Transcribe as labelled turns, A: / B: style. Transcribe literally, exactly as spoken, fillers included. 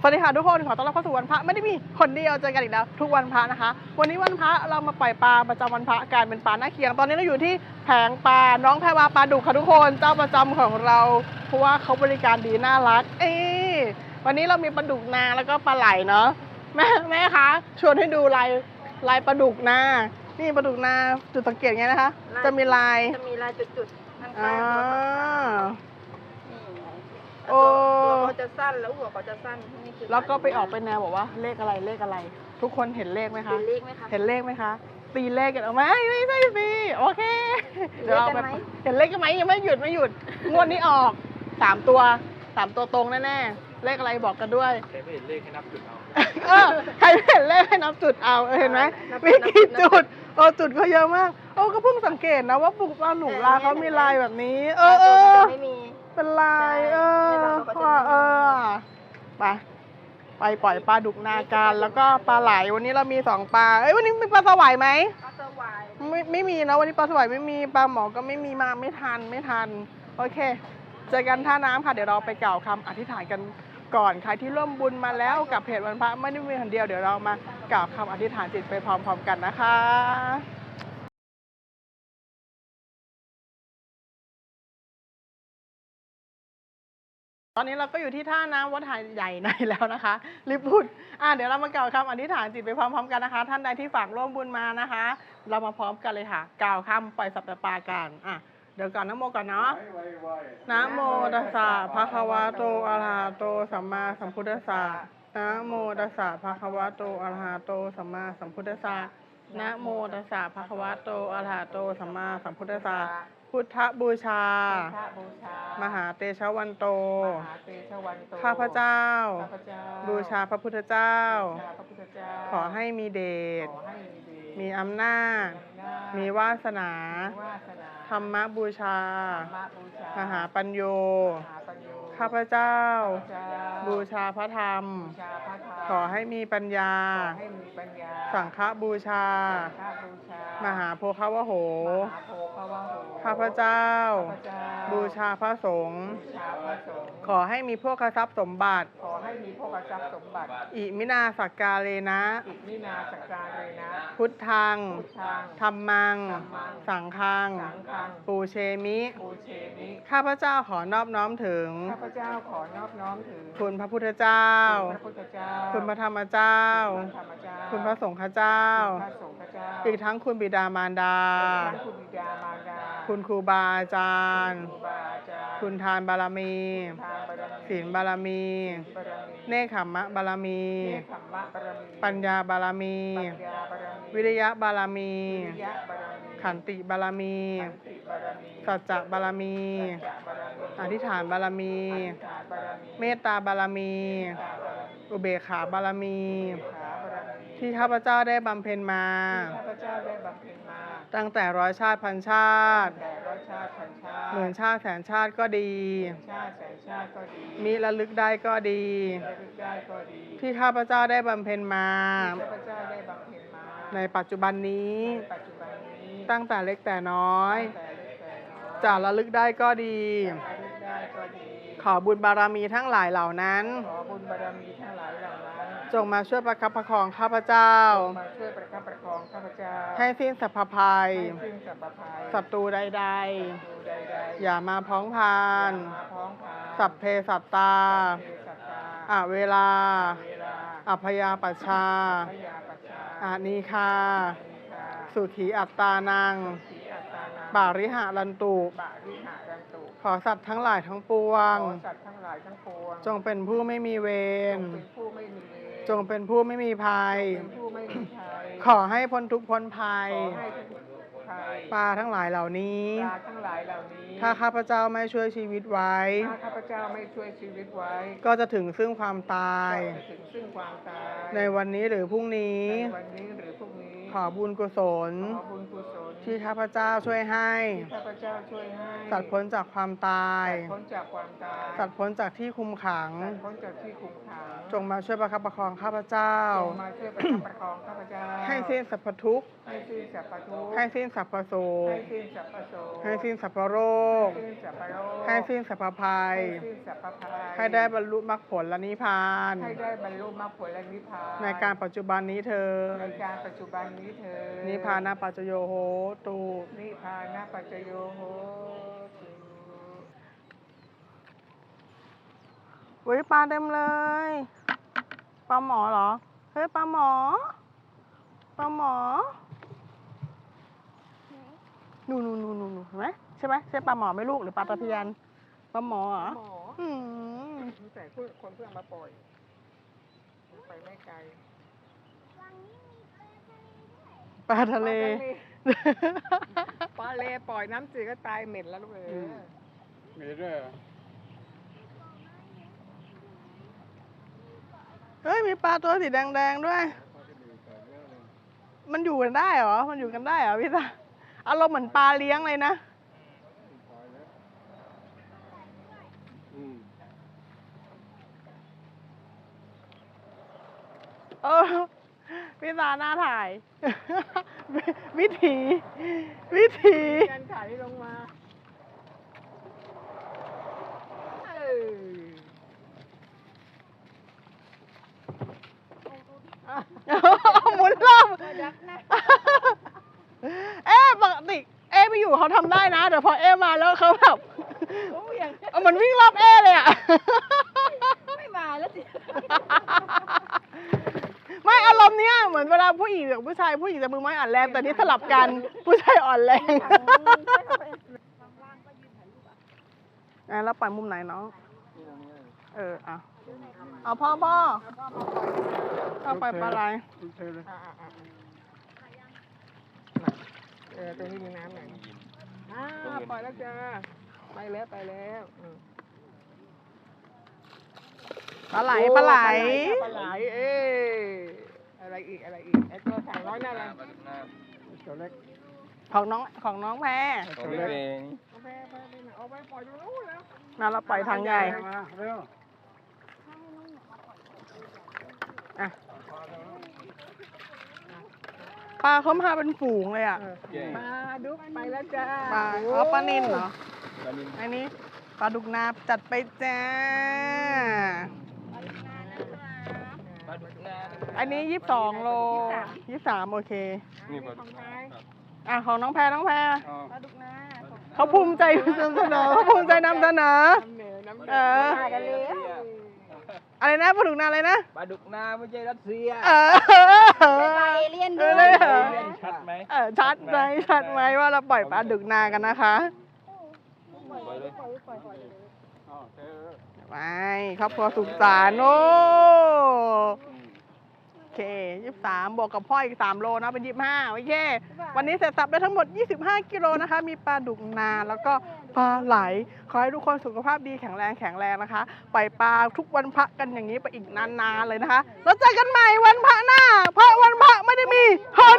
A: วัสดีค่ะทุกคนขอต้อนรับเข้าสู่วันพระไม่ได้มีคนเดียวเจอกันอีกแล้วทุกวันพระนะคะวันนี้วันพระเรามาปล่อยปลาประจำวันพระการเป็นปลาหน้าเคียงตอนนี้เราอยู่ที่แผงปลาน้องแพรวาปลาดุกค่ะทุกคนเจ้าประจำของเราเพราะว่าเขาบริการดีน่ารักเอ๊วันนี้เรามีปลาดุกนาแล้วก็ปลาไหลเนาะแม่แม่คะชวนให้ดูลายลายปลาดุกนานี่ปลาดุกนาจุดสังเกตไงนะคะจะมีลาย
B: จะมีลายจุดๆข้างๆ
A: อ่า
B: โอ้เขาจะสั้นแล้วหัวเขาจะสั้นนี่คือ
A: แล้วก็ไปออกไปแนวบอกว่าเลขอะไรเลขอะไร ทุกคนเห็นเลขไหมคะ
B: เห็นเลขไหมคะ
A: เห็นเลขไหมคะตีเลขกันออกไหมไม่ใช่สิโอเค
B: เดี๋ยวเราไป
A: เห็นเลขกันไหมยังไม่หยุดไม่หยุดงวดนี้ออกสามตัวสามตัวตรงแน่ๆเลขอะไรบอกกันด้วย
C: ใครไม่เห็นเลขให้นับจุดเอา
A: เออใครไม่เห็นเลขให้นับจุดเอาเห็นไหมมีกี่จุดโอ้จุดเขาเยอะมากโอ้ก็เพิ่งสังเกตนะว่าปุกปลาหนูลาเขามีลายแบบนี้ เออเออเป็นลายเออว่าเออไปไปปล่อยปลาดุกนาการแล้วก็ปลาไหลวันนี้เรามีสองปลาเอ้ยวันนี้มีปลาสวายไหม
B: ปลาสวาย
A: ไม่ไม่มีนะวันนี้ปลาสวายไม่มีปลาหมอก็ไม่มีมาไม่ทันไม่ทันโอเคเจอกันท่าน้ำค่ะเดี๋ยวเราไปกล่าวคำอธิษฐานกันก่อนใครที่ร่วมบุญมาแล้วกับเพจวันพระไม่ได้มีคนเดียวเดี๋ยวเรามากล่าวคำอธิษฐานจิตไปพร้อมๆกันนะคะตอนนี้เราก็อยู่ที่ท่าน้ำวัดหาดใหญ่ในแล้วนะคะรีบพูดอ่ะเดี๋ยวเรามากล่าวคำอธิษฐานจิตไปพร้อมๆกันนะคะท่านใดที่ฝากร่วมบุญมานะคะ เรามาพร้อมกันเลยค่ะกล่าวคำปล่อยสัตว์ปลากันอ่ะเดี๋ยวก่อนนะโมก่อนเนาะนะโมตัสสะภะคะวะโตอะระหะโตสัมมาสัมพุทธัสสะนะโมตัสสะภะคะวะโตอะระหะโตสัมมาสัมพุทธัสสะนะโมตัสสะภะคะวะโตอะระหะโตสัมมาสัมพุทธัสสะพุทธบูชามหาเตชะวันโตข้าพเจ้าบูชาพระพุทธเจ้าขอให้มีเดชมีอำนาจมีวาสนาธรรมบูชามหาปัญโยข้าพเจ้าบูชาพระธรรมขอให้มีปัญญาสังฆบูชามหาโพคาวโหข้าพเจ้าบูชาพระสงฆ์ขอให้มีพวกทรัพย์สมบัติอิมินาสักกาเลนะพุทธังธัมมังสังฆังปูเชมิข้าพเจ้าขอนอบน้อมถึง
B: ข้าพเจ้าขอนอบน้อมถึง
A: คุณพระพุทธเจ้าคุณพระธรรมเจ้าคุณพระสงฆ์เจ้าอีกทั้งคุณบิดามารดาคุณครูบาอาจารย์คุณทานบารมีศีลบารมีเนคขมมะบารมีปัญญาบารมีวิริยะบารมีขันติบารมีสัจจะบารมีอธิษฐานบารมีเมตตาบารมีอุเบกขาบารมีที่ข้าพเจ้าได้บำเพ็ญมาตั้งแต่ร้อยชาติพันชาติหมื่นชาติแสนชาติก็ดีมิระลึกได้ก็ดีที่ข้าพเจ้าได้บำเพ็ญมาในปัจจุบันนี้ตั้งแต่เล็กแต่น้อยจะระลึกได้ก็ดีขอบุญบารมีทั้งหลายเหล่านั้นจงมาช่วยประคับประคองข้าพเจ้าให้สิ้นสัพพภัยศัตรูใดๆอย่ามาพ้องพานสัพเพสัตตาอเวลาอัพยาปัชชาอานีคาสุขีอัตตานังปาริหะลันตุขอสัตว์ทั้งหลายทั้งปวงจงเป็นผู้ไม่มีเวรจงเป็นผู้ไม่มีภัยขอให้พ้นทุกข์พ้นภัยปลาทั้งหลายเหล่านี้ถ้าข้าพเจ้าไม่ช่วยชีวิตไว้ก็จะถึงซึ่งความตายในวันนี้หรือพรุ่งนี้ขอบุญกุศลที่ข้าพเจ้าช่วยให้
B: ที่ข้าพเจ้าช่วยให้
A: สัตว์พ้นจากความตาย
B: สัตว์พ้นจากความตาย
A: สัตว์พ้นจากที่คุมขัง
B: สัตว์พ้นจากที่คุมขัง
A: จงมาช่วยประคับประคองข้าพเจ้า
B: จงมาช่วยประคับประคองข้าพเจ้า
A: ให้สิ้นสรรพทุกข์
B: ให้สิ้นสรรพทุกข์
A: ให้สิ้นสรรพโศ
B: ให้
A: ก
B: สิ้นสรรพโศก
A: ให้สิ้นสรรพโรค
B: ให้สิ้นสรรพโรค
A: ให้สิ้นสรรพภัย
B: ให้สิ้นสรรพภัย
A: ให้ได้บรรลุมรรคผลและนิพพาน
B: ให้ได้บรรลุมรรคผลและนิพพาน
A: ในการปัจจุบันนี้เธอ
B: ในการปัจจุบันนี้เธอ
A: นิพพานาปัจจโยโหตุ
B: นิพพานาปัจจโยโหตุ
A: อุ้ยปลาเต็มเลย ปลาหมอเหรอ เฮ้ยปลาหมอ ปลาหมอนูนูนูนูนูเห็นไหมใช่ไหมใช่ปลาหมอไหม่ลูกหรือปลาตะเพียน ปลาหมอเหรอ
B: หมอ
A: อืม
B: แต่คนคนเพื่อนมาปล่อยไปไม่ไกล
A: ปลาทะเล
B: ปลาเลปล่อยน้ำจืดก็ตายเหม็นแล้วลูกเอ๋ย
C: มีด้วยเหรอ
A: เฮ้ยมีปลาตัวสีแดงๆด้วย มันอยู่กันได้เหรอ มันอยู่กันได้เหรอพี่ตาอารมณ์เหมือนปลาเลี้ยงเลยนะ
C: อืม
A: เออพี่ตาหน้าถ่าย วิถี วิถี
B: การถ่ายลงมาเออ
A: หมุนรอบเอ๊ะปกติเอ๊ะไปอยู่เขาทำได้นะแต่พอเอ๊ะมาแล้วเขาแบบ
B: โอ้ยอย่าง
A: เอามันวิ่งรอบเอ๊ะเลยอ่ะ
B: ไม่มาแล้วสิ
A: ไม่อารมณ์เนี้ยเหมือนเวลาผู้หญิงกับผู้ชายผู้หญิงจะมือไม้อ่อนแรงแต่นี่สลับกันผู้ชายอ่อนแรงอ่ะแล้วปล่อยมุมไหนน้องเอออ่ะเอาพ่อพ่อเอาปล่อยปลาไหล
C: เธอเลย
B: อ่าอ่าอ่าเออตรงนี้มีน้ำหน่อยอ่าปล่อยแล้วจ้าไปแล้วไปแล้วอืม
A: ปลาไหลปลาไหล
B: ปลาไหลเอ้ยอะไรอีกอะไรอีกไอตัวสาวน้อยน่ารัก
C: ตัวเล็ก
A: ของน้องของน้องแพร
C: ตัวเล็ก
B: เอาไปไปไปเอาไปปล่อยตรงนู้นแล้ว
A: มาเราปล่อยทางใหญ่
C: มาเร็ว
A: อ่ะปลาเขามาเป็นฝูงเลยอ่ะ
B: ปลาดุกไปแล้วจ้า
A: ปลาอ๋อปลานิลเหรอ
C: ปลานิล
A: อันนี้ปลาดุกนาจัดไปจ้า
C: ปลาดุกนา
A: อันนี้ยี่สิบสองโลยี่สิบสามโอเค
C: นี่ปลาดุกนา
A: อ่ะของน้องแพรน้องแพร
C: อ๋อ
B: ปลาดุกนา
A: เขาภูมิใจนำเสนอเขาภูมิใจนำเสนอ
B: น้ำเหนือน้ำเหนื
A: เออ
B: มากันเลย
A: อะไรนะปลาดุกนาอะไรนะ
C: ปลาดุกนาไม่ใช่รัสเซีย
A: เออ
B: ปลาเอเลี่ยน
A: เอ
B: ด้
A: อ
B: ว
A: เลย
B: ย
A: เหรอ
C: ชัดไหม
A: เออชัดไหมชัดไหมว่าเราปล่อยปลาดุกนากันนะคะ
C: ปล่อยเลยอ๋อเธอ
A: ไม่ครอบครัวสุขสันต์โอ้โอเคยี่สิบสามบวกกับพ่ออีกสามโลนะเป็นยี่สิบห้าโอเค วันนี้เสร็จสับได้ทั้งหมดยี่สิบห้ากิโลนะคะ มีปลาดุกนาแล้วก็ปลาไหล ขอให้ทุกคนสุขภาพดีแข็งแรงแข็งแรงนะคะ ปล่อยปลาทุกวันพระกันอย่างนี้ไปอีกนานๆเลยนะคะ แล้วเจอกันใหม่วันพระหน้า เพราะวันพระไม่ได้มีหน